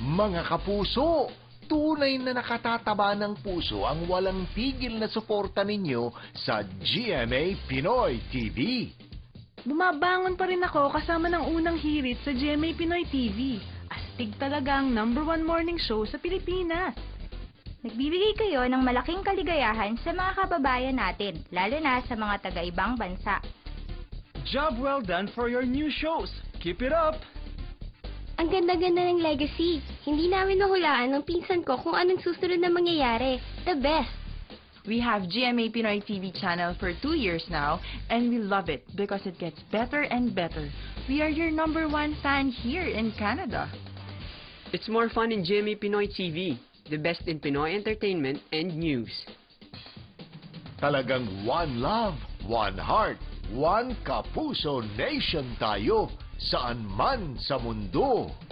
Mga kapuso, tunay na nakatataba ng puso ang walang tigil na suporta ninyo sa GMA Pinoy TV. Bumabangon pa rin ako kasama ng unang hirit sa GMA Pinoy TV. Astig talaga ang #1 morning show sa Pilipinas. Nagbibigay kayo ng malaking kaligayahan sa mga kababayan natin, lalo na sa mga taga-ibang bansa. Job well done for your new shows. Keep it up! Ang ganda-ganda ng legacy. Hindi namin nahulaan ng pinsan ko kung anong susunod na mangyayari. The best! We have GMA Pinoy TV channel for 2 years now, and we love it because it gets better and better. We are your #1 fan here in Canada. It's more fun in GMA Pinoy TV, the best in Pinoy entertainment and news. Talagang one love, one heart, one kapuso nation tayo saan man sa mundo.